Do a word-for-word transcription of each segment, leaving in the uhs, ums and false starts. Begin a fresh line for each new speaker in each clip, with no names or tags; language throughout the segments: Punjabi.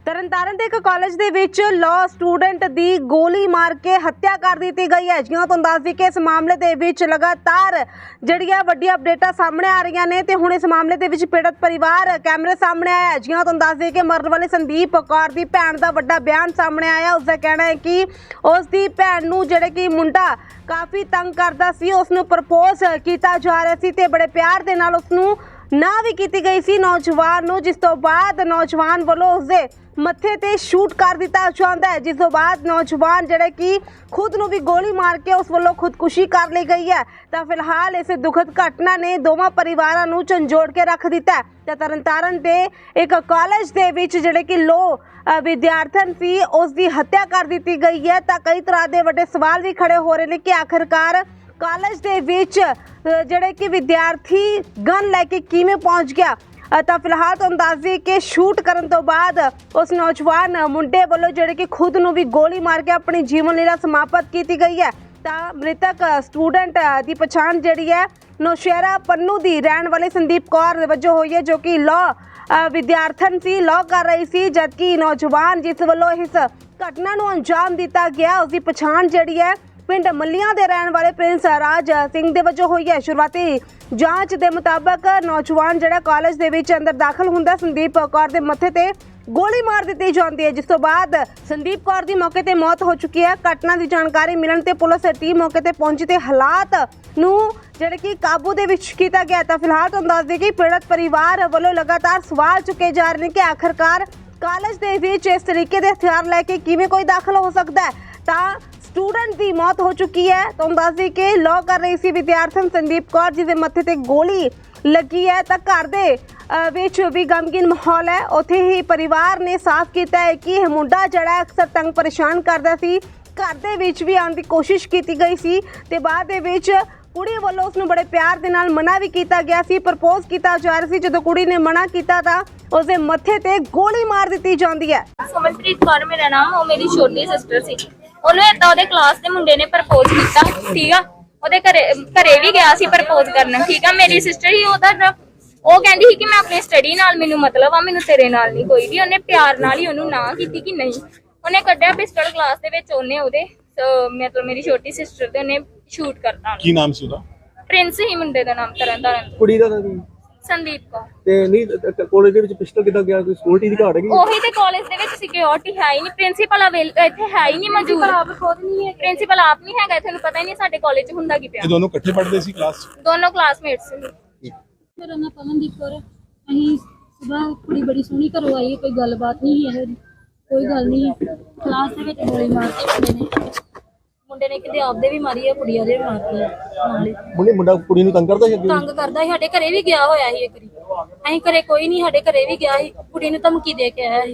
ਤਰਨਤਾਰਨ ਦੇ ਇੱਕ ਕਾਲਜ ਦੇ ਵਿੱਚ ਲਾਅ ਸਟੂਡੈਂਟ ਦੀ ਗੋਲੀ ਮਾਰ ਕੇ ਹੱਤਿਆ ਕਰ ਦਿੱਤੀ ਗਈ ਹੈ। ਜਿਵੇਂ ਤੁਹਾਨੂੰ ਦੱਸ ਦਈਏ ਕਿ ਇਸ ਮਾਮਲੇ ਦੇ ਵਿੱਚ ਲਗਾਤਾਰ ਜਿਹੜੀਆਂ ਵੱਡੀਆਂ ਅਪਡੇਟਾਂ ਸਾਹਮਣੇ ਆ ਰਹੀਆਂ ਨੇ ਤੇ ਹੁਣ ਇਸ ਮਾਮਲੇ ਦੇ ਵਿੱਚ ਪੀੜਤ ਪਰਿਵਾਰ ਕੈਮਰੇ ਸਾਹਮਣੇ ਆਇਆ ਹੈ। ਜਿਵੇਂ ਤੁਹਾਨੂੰ ਦੱਸ ਦਈਏ ਕਿ ਮਰਨ ਵਾਲੇ ਸੰਦੀਪ ਕੌਰ ਦੀ ਭੈਣ ਦਾ ਵੱਡਾ ਬਿਆਨ ਸਾਹਮਣੇ ਆਇਆ। ਉਸ ਦਾ ਕਹਿਣਾ ਹੈ ਕਿ ਉਸ ਦੀ ਭੈਣ ਨੂੰ ਜਿਹੜੇ ਕਿ ਮੁੰਡਾ ਕਾਫੀ ਤੰਗ ਕਰਦਾ ਸੀ, ਉਸ ਨੂੰ ਪ੍ਰਪੋਜ਼ ਕੀਤਾ ਜਾ ਰਿਹਾ ਸੀ ਤੇ ਬੜੇ ਪਿਆਰ ਦੇ ਨਾਲ ਉਸ ਨੂੰ ਨਾ ਵੀ ਕੀਤੀ गई सी नौजवान ਨੂੰ, जिस तो बाद नौजवान ਵੱਲੋਂ ਉਸਦੇ ਮੱਥੇ ਤੇ ਸ਼ੂਟ ਕਰ ਦਿੱਤਾ ਜਾਂਦਾ ਹੈ, ਜਿਸ ਤੋਂ ਬਾਅਦ ਨੌਜਵਾਨ ਜਿਹੜੇ ਕਿ ਖੁਦ ਨੂੰ ਵੀ ਗੋਲੀ ਮਾਰ ਕੇ ਉਸ ਵੱਲੋਂ ਖੁਦਕੁਸ਼ੀ ਕਰ ਲਈ ਗਈ ਹੈ। ਤਾਂ ਫਿਲਹਾਲ ਇਸ ਦੁਖਦ ਘਟਨਾ ਨੇ ਦੋਵਾਂ ਪਰਿਵਾਰਾਂ ਨੂੰ ਝੰਜੋੜ ਕੇ ਰੱਖ ਦਿੱਤਾ ਹੈ। ਤੇ ਤਰਨਤਾਰਨ ਦੇ ਇੱਕ ਕਾਲਜ ਦੇ ਵਿੱਚ ਜਿਹੜੇ ਕਿ ਲੋ ਵਿਦਿਆਰਥਣ ਸੀ ਉਸ ਦੀ ਹੱਤਿਆ ਕਰ ਦਿੱਤੀ ਗਈ ਹੈ। ਤਾਂ ਕਈ ਤਰ੍ਹਾਂ ਦੇ ਵੱਡੇ ਸਵਾਲ ਵੀ ਖੜੇ ਹੋ ਰਹੇ ਨੇ ਕਿ ਆਖਿਰਕਾਰ ਕਾਲਜ ਦੇ ਵਿੱਚ ਜਿਹੜੇ ਕਿ ਵਿਦਿਆਰਥੀ ਗਨ ਲੈ ਕੇ ਕਿਵੇਂ ਪਹੁੰਚ ਗਿਆ। ਤਾਂ ਫਿਲਹਾਲ ਤੁਹਾਨੂੰ ਦੱਸ ਦਈਏ ਕਿ ਸ਼ੂਟ ਕਰਨ ਤੋਂ ਬਾਅਦ ਉਸ ਨੌਜਵਾਨ ਮੁੰਡੇ ਵੱਲੋਂ ਜਿਹੜੇ ਕਿ ਖੁਦ ਨੂੰ ਵੀ ਗੋਲੀ ਮਾਰ ਕੇ ਆਪਣੀ ਜੀਵਨ ਲੀਲਾ ਸਮਾਪਤ ਕੀਤੀ ਗਈ ਹੈ। ਤਾਂ ਮ੍ਰਿਤਕ ਸਟੂਡੈਂਟ ਦੀ ਪਛਾਣ ਜਿਹੜੀ ਹੈ ਨੌਸ਼ਹਿਰਾ ਪੰਨੂ ਦੀ ਰਹਿਣ ਵਾਲੇ ਸੰਦੀਪ ਕੌਰ ਵਜੋਂ ਹੋਈ ਹੈ, ਜੋ ਕਿ ਲਾਅ ਵਿਦਿਆਰਥਣ ਸੀ, ਲਾਅ ਕਰ ਰਹੀ ਸੀ, ਜਦਕਿ ਨੌਜਵਾਨ ਜਿਸ ਵੱਲੋਂ ਇਸ ਘਟਨਾ ਨੂੰ ਅੰਜਾਮ ਦਿੱਤਾ ਗਿਆ ਉਸ ਦੀ ਪਛਾਣ ਜਿਹੜੀ ਹੈ ਪਿੰਡ ਮੱਲੀਆਂ ਦੇ ਰਹਿਣ ਵਾਲੇ ਪ੍ਰਿੰਸ ਰਾਜ ਸਿੰਘ ਦੇ ਵਜੋਂ ਹੋਈ ਹੈ। ਸ਼ੁਰੂਆਤੀ ਜਾਂਚ ਦੇ ਮੁਤਾਬਕ ਨੌਜਵਾਨ ਜਿਹੜਾ ਕਾਲਜ ਦੇ ਵਿੱਚ ਅੰਦਰ ਦਾਖਲ ਹੁੰਦਾ ਸੰਦੀਪ ਕੌਰ ਦੇ ਮੱਥੇ ਤੇ ਗੋਲੀ ਮਾਰ ਦਿੱਤੀ ਜਾਂਦੀ ਹੈ, ਜਿਸ ਤੋਂ ਬਾਅਦ ਸੰਦੀਪ ਕੌਰ ਦੀ ਮੌਕੇ ਤੇ ਮੌਤ ਹੋ ਚੁੱਕੀ ਹੈ। ਘਟਨਾ ਦੀ ਜਾਣਕਾਰੀ ਮਿਲਣ ਤੇ ਪੁਲਿਸ ਟੀਮ ਮੌਕੇ ਤੇ ਪਹੁੰਚੀ ਤੇ ਹਾਲਾਤ ਨੂੰ ਜਿਹੜੇ ਕਿ ਕਾਬੂ ਦੇ ਵਿੱਚ ਕੀਤਾ ਗਿਆ। ਤਾਂ ਫਿਲਹਾਲ ਤੁਹਾਨੂੰ ਦੱਸ ਦਈਏ ਕਿ ਪੀੜਤ ਪਰਿਵਾਰ ਵੱਲੋਂ ਲਗਾਤਾਰ ਸਵਾਲ ਚੁੱਕੇ ਜਾ ਰਹੇ ਨੇ ਕਿ ਆਖਿਰਕਾਰ ਕਾਲਜ ਦੇ ਵਿੱਚ ਇਸ ਤਰੀਕੇ ਦੇ ਹਥਿਆਰ ਲੈ ਕੇ ਕਿਵੇਂ ਕੋਈ ਦਾਖਲ ਹੋ ਸਕਦਾ ਹੈ। ਤਾਂ ਸਟੂਡੈਂਟ ਦੀ ਮੌਤ ਹੋ ਚੁੱਕੀ ਹੈ। ਤੁਹਾਨੂੰ ਦੱਸ ਦਈਏ ਕਿ ਲਾਅ ਕਰ ਰਹੀ ਸੀ ਵਿਦਿਆਰਥਣ ਸੰਦੀਪ ਕੌਰ, ਜਿਹਦੇ ਮੱਥੇ ਤੇ ਗੋਲੀ ਲੱਗੀ ਹੈ। ਤਾਂ ਘਰ ਦੇ ਵਿੱਚ ਵੀ ਗਮਗੀਨ ਮਾਹੌਲ ਹੈ। ਉੱਥੇ ਹੀ ਪਰਿਵਾਰ ਨੇ ਸਾਫ਼ ਕੀਤਾ ਹੈ ਕਿ ਇਹ ਮੁੰਡਾ ਜਿਹੜਾ ਅਕਸਰ ਤੰਗ ਪਰੇਸ਼ਾਨ ਕਰਦਾ ਸੀ, ਘਰ ਦੇ ਵਿੱਚ ਵੀ ਆਉਣ ਦੀ ਕੋਸ਼ਿਸ਼ ਕੀਤੀ ਗਈ ਸੀ ਤੇ ਬਾਅਦ ਦੇ ਵਿੱਚ ਕੁੜੀ ਵੱਲੋਂ ਉਸ ਨੂੰ ਬੜੇ ਪਿਆਰ ਦੇ ਨਾਲ ਮਨਾ ਵੀ ਕੀਤਾ ਗਿਆ ਸੀ, ਪ੍ਰਪੋਜ਼ ਕੀਤਾ ਜਾ ਰਿਹਾ ਸੀ। ਜਦੋਂ ਕੁੜੀ ਨੇ ਮਨਾ ਕੀਤਾ ਤਾਂ ਉਸਦੇ ਮੱਥੇ ਤੇ ਗੋਲੀ ਮਾਰ ਦਿੱਤੀ ਜਾਂਦੀ ਹੈ।
ਸਮਨਪ੍ਰੀਤ ਕੌਰ ਮੇਰਾ ਨਾਮ, ਉਹ ਮੇਰੀ ਛੋਟੀ ਸਿਸਟਰ ਸੀ। ਉਹਨੂੰ ਏਦਾਂ ਉਹਦੇ ਕਲਾਸ ਦੇ ਮੁੰਡੇ ਨੇ ਪ੍ਰਪੋਜ਼ ਕੀਤਾ, ਠੀਕ ਆ। ਉਹਦੇ ਘਰੇ ਘਰੇ ਵੀ ਗਿਆ ਸੀ ਪ੍ਰਪੋਜ਼ ਕਰਨ, ਠੀਕ ਆ। ਮੇਰੀ ਸਿਸਟਰ ਹੀ ਉਹਦਾ ਉਹ ਕਹਿੰਦੀ ਸੀ ਕਿ ਮੈਂ ਆਪਣੀ ਸਟੱਡੀ ਨਾਲ ਮੈਨੂੰ ਮਤਲਬ ਆ, ਮੈਨੂੰ ਤੇਰੇ ਨਾਲ ਨਹੀਂ ਕੋਈ ਵੀ। ਉਹਨੇ ਪਿਆਰ ਨਾਲ ਹੀ ਉਹਨੂੰ ਨਾ ਕੀਤੀ ਕਿ ਨਹੀਂ। ਉਹਨੇ ਕੱਢਿਆ ਪਿਸਟਲ ਕਲਾਸ ਦੇ ਵਿੱਚ, ਉਹਨੇ ਉਹਦੇ ਮਤਲਬ ਮੇਰੀ ਛੋਟੀ ਸਿਸਟਰ ਤੇ ਉਹਨੇ ਸ਼ੂਟ ਕਰਤਾ।
ਕੀ ਨਾਮ ਸੀ ਉਹਦਾ?
ਪ੍ਰਿੰਸ ਹੀ ਮੁੰਡੇ ਦਾ ਨਾਮ, ਤਰਨਤਾਰਨ।
ਕੁੜੀ ਦਾ ਨਾਮ
ਸੰਦੀਪ ਕੌਰ।
ਤੇ ਨਹੀਂ ਕਾਲਜ ਦੇ ਵਿੱਚ ਪਿਸਟਲ ਕਿੱਦਾਂ ਗਿਆ? ਕੋਈ ਸਿਕਿਉਰਿਟੀ ਦੀ ਘਾਟ ਹੈਗੀ?
ਉਹੀ ਤੇ ਕਾਲਜ ਦੇ ਵਿੱਚ ਸਿਕਿਉਰਿਟੀ ਹੈ ਹੀ ਨਹੀਂ, ਪ੍ਰਿੰਸੀਪਲ ਇੱਥੇ ਹੈ ਹੀ ਨਹੀਂ ਮੌਜੂਦ। ਪ੍ਰਿੰਸੀਪਲ ਆਪ ਨਹੀਂ ਹੈਗਾ, ਤੁਹਾਨੂੰ ਪਤਾ ਹੀ ਨਹੀਂ ਸਾਡੇ ਕਾਲਜ 'ਚ ਹੁੰਦਾ ਕੀ ਪਿਆ।
ਇਹ ਦੋਨੋਂ ਇਕੱਠੇ ਪੜ੍ਹਦੇ ਸੀ ਕਲਾਸ 'ਚ?
ਦੋਨੋਂ ਕਲਾਸਮੇਟਸ ਸੀ।
ਮੇਰਾ ਨਾਮ ਪਵਨਦੀਪ ਕੌਰ ਹੈ। ਅਸੀਂ ਸੁਬਾਹ ਕੁੜੀ ਬੜੀ ਸੋਹਣੀ ਘਰੋਂ ਆਈ, ਕੋਈ ਗੱਲਬਾਤ ਨਹੀਂ ਹੈ, ਕੋਈ ਗੱਲ ਨਹੀਂ। ਕਲਾਸ ਦੇ ਵਿੱਚ ਗੋਲੀ ਮਾਰਤੀ ਮੁੰਡੇ ਨੇ ਮੁੰਡੇ ਨੇ ਕਿਤੇ ਆਪਦੇ ਵੀ ਮਾਰੀ ਹੈ, ਕੁੜੀਆਂ ਦੇ ਵੀ ਮਾਰਤੀ ਹੈ ਨਾਲੇ।
ਮੁੰਡੇ ਮੁੰਡਾ ਕੁੜੀ ਨੂੰ ਤੰਗ ਕਰਦਾ ਸੀ ਅੱਗੇ?
ਤੰਗ ਕਰਦਾ ਸੀ, ਸਾਡੇ ਘਰੇ ਵੀ ਗਿਆ ਹੋਇਆ ਸੀ ਇੱਕ ਵਾਰੀ। ਅਸੀਂ ਘਰੇ ਕੋਈ ਨਹੀਂ, ਸਾਡੇ ਘਰੇ ਵੀ ਗਿਆ ਸੀ, ਕੁੜੀ ਨੂੰ ਧਮਕੀ ਦੇ ਕੇ ਆਇਆ ਸੀ।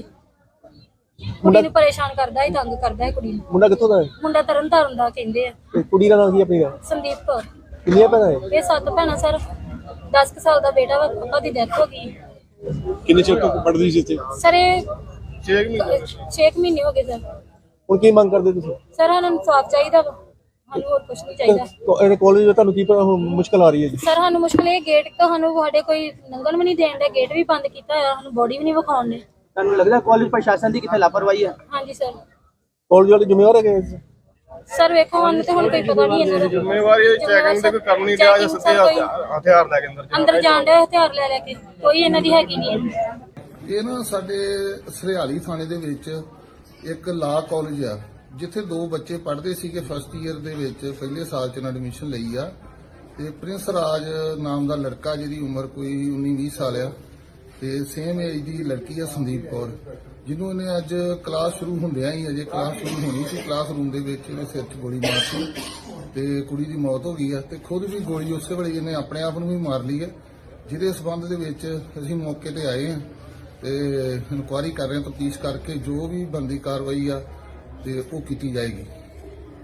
ਕੁੜੀ ਨੂੰ ਪਰੇਸ਼ਾਨ ਕਰਦਾ ਸੀ, ਤੰਗ ਕਰਦਾ ਸੀ ਕੁੜੀ ਨੂੰ।
ਮੁੰਡਾ ਕਿੱਥੋਂ ਦਾ ਹੈ?
ਮੁੰਡਾ ਤਰਨਤਾਰਨ ਦਾ ਕਹਿੰਦੇ ਆ।
ਤੇ ਕੁੜੀ ਦਾ ਨਾਮ ਕੀ ਆਪਣੀ ਦਾ?
ਸੰਦੀਪ ਕੌਰ।
ਕਿੰਨੀਆਂ ਭੈਣਾਂ ਹੈ?
ਇਹ ਸੱਤ ਭੈਣਾਂ ਸਰ। ਦਸ ਕੁ ਸਾਲ ਦਾ ਬੇਟਾ ਵਾ, ਪਾਪਾ ਦੀ ਡੈਥ ਹੋ ਗਈ।
ਕਿੰਨੇ ਚਿਰ ਤੋਂ ਪੜ੍ਹਦੀ ਸੀ ਇੱਥੇ?
ਸਰ ਇਹ ਛੇ ਮਹੀਨੇ ਹੋ ਗਏ ਸਰ।
ਹੁਣ ਕੀ ਮੰਗ ਕਰਦੇ ਤੁਸੀਂ?
ਸਰ ਸਾਨੂੰ ਇਨਸਾਫ ਚਾਹੀਦਾ ਵਾ, ਸਾਨੂੰ ਹੋਰ ਕੁਝ ਨਹੀਂ ਚਾਹੀਦਾ।
ਇਹਨੇ ਕਾਲਜ ਵਿੱਚ ਤੁਹਾਨੂੰ ਕੀ ਮੁਸ਼ਕਲ ਆ ਰਹੀ ਹੈ ਜੀ?
ਸਰ ਸਾਨੂੰ ਮੁਸ਼ਕਲ ਇਹ ਗੇਟ ਤੁਹਾਨੂੰ ਸਾਡੇ ਕੋਈ ਲੰਘਣ ਵੀ ਨਹੀਂ ਦੇਣ ਦੇ, ਗੇਟ ਵੀ ਬੰਦ ਕੀਤਾ ਹੋਇਆ, ਸਾਨੂੰ ਬੋਡੀ ਵੀ ਨਹੀਂ ਵਿਖਾਉਣ ਦੇ।
ਤੁਹਾਨੂੰ ਲੱਗਦਾ ਕਾਲਜ ਪ੍ਰਸ਼ਾਸਨ ਦੀ ਕਿੱਥੇ ਲਾਪਰਵਾਹੀ ਹੈ?
ਹਾਂਜੀ ਸਰ।
ਕਾਲਜ ਵਾਲੇ ਜ਼ਿੰਮੇਵਾਰ ਹੈਗੇ?
ਸਰ ਵੇਖੋ ਸਾਨੂੰ ਤੇ ਹੁਣ ਕੋਈ ਪਤਾ ਨਹੀਂ ਇਹਨਾਂ ਦਾ
ਜ਼ਿੰਮੇਵਾਰੀ ਚੈਕਿੰਗ ਤੇ ਕੋਈ ਕੰਮ ਨਹੀਂ ਰਿਹਾ ਜਾਂ ਸਿੱਧੇ ਹਥਿਆਰ ਲੈ ਕੇ ਅੰਦਰ
ਅੰਦਰ ਜਾਣ ਦੇ ਹਥਿਆਰ ਲੈ ਲੈ ਕੇ, ਕੋਈ ਇਹਨਾਂ ਦੀ ਹੈਗੀ ਨਹੀਂ।
ਇਹ ਨਾ ਸਾਡੇ ਸਰਿਆਲੀ ਥਾਣੇ ਦੇ ਵਿੱਚ ਇੱਕ ਲਾ ਕਾਲਜ ਆ, ਜਿੱਥੇ ਦੋ ਬੱਚੇ ਪੜ੍ਹਦੇ ਸੀਗੇ ਫਸਟ ਈਅਰ ਦੇ ਵਿੱਚ, ਪਹਿਲੇ ਸਾਲ ਚ ਐਡਮਿਸ਼ਨ ਲਈ ਆ। ਤੇ ਪ੍ਰਿੰਸ ਰਾਜ ਨਾਮ ਦਾ ਲੜਕਾ, ਜਿਹਦੀ ਉਮਰ ਕੋਈ ਉੱਨੀ ਵੀਹ ਸਾਲ ਆ, ਤੇ ਸੇਮ ਏਜ ਦੀ ਲੜਕੀ ਆ ਸੰਦੀਪ ਕੌਰ, ਜਿਹਨੂੰ ਇਹਨੇ ਅੱਜ ਕਲਾਸ ਸ਼ੁਰੂ ਹੁੰਦਿਆਂ ਹੀ, ਅਜੇ ਕਲਾਸ ਸ਼ੁਰੂ ਹੋਣੀ ਸੀ, ਕਲਾਸ ਰੂਮ ਦੇ ਵਿੱਚ ਇਹਨੇ ਸਿਰ 'ਚ ਗੋਲੀ ਮਾਰਤੀ ਤੇ ਕੁੜੀ ਦੀ ਮੌਤ ਹੋ ਗਈ ਆ। ਤੇ ਖੁਦ ਵੀ ਗੋਲੀ ਉਸੇ ਵੇਲੇ ਇਹਨੇ ਆਪਣੇ ਆਪ ਨੂੰ ਵੀ ਮਾਰ ਲਈ ਹੈ, ਜਿਹਦੇ ਸਬੰਧ ਦੇ ਵਿੱਚ ਅਸੀਂ ਮੌਕੇ ਤੇ ਆਏ ਹਾਂ ਤੇ ਇਨਕੁਆਇਰੀ ਕਰ ਰਹੇ ਹਾਂ, ਤਫਤੀਸ਼ ਕਰਕੇ ਜੋ ਵੀ ਬਣਦੀ ਕਾਰਵਾਈ ਆ ਤੇ ਉਹ ਕੀਤੀ ਜਾਏਗੀ।